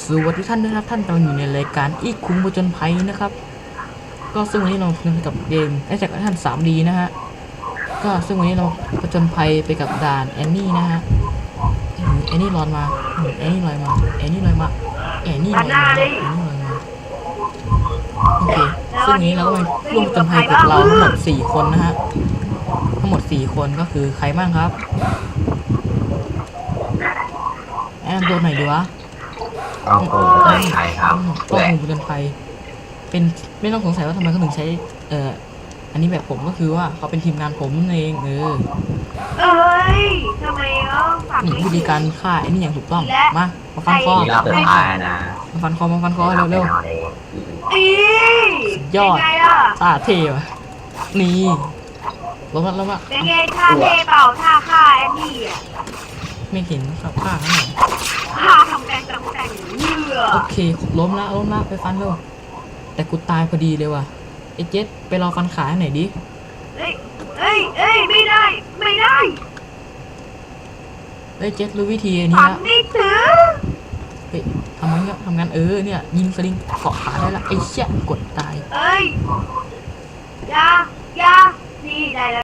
สวัสดีท่านด้วยนะครับท่านกำลังอยู่ในรายการอีกคุ้งผจญภัยนะครับก็ซึ่งวันนี้เราเล่นกับเกมแอ t แทกท่าน 3D นะฮะก็ซึ่งวันนี้เราผจญภัยไปกับด่านแอนนี่นะฮะแอนนี่ลอยมาแอนนี่ลอยมาแอนนี่ลอยมาแอนนี่ลอยมาแอนนี่ลอยมาโอเคซึ่งวันนี้เราก็มาร่วมผจญภัยกับเราทั้งหมด4คนนะฮะทั้งหมด4คนก็คือใครบ้างครับแอนนำตัวไหนอยดีวะก็คงจะใช่ครับต้องหูผจญภัยเป็นไม่ต้องสงสัยว่าทำไมเขาถึงใช้อันนี้แบบผมก็คือว่าเขาเป็นทีมงานผมนั่นเองเอ้ยทำไมฝั่งนี้วิธีการฆ่าไอ้นี่อย่างถูกต้องมาฟันคอที่รับเดินทางนะมาฟันคอเร็วอียอดเป็นไงล่ะๆตาเทวะนี่ลงละเป็นไงท่าเทเปล่าท่าฆ่าแอนนี่อ่ะไม่เห็นครับฆ่าข้างหลังฆ่าทำแดงเหยื่อโอเคล้มละไปฟันเร็วแต่กูตายพอดีเลยว่ะไอ้เจ็ดไปรอฟันขาให้หน่อยดิเอ้ยไม่ได้ไอ้เจ็ดรู้วิธีอันนี้ฝังละนี่ถือเฮ้ยทำงานเนี่ยยิงสลิงเกาะขาได้ละไอ้เชี่ยกดตายเอ้ยยานี่ได้แล้ว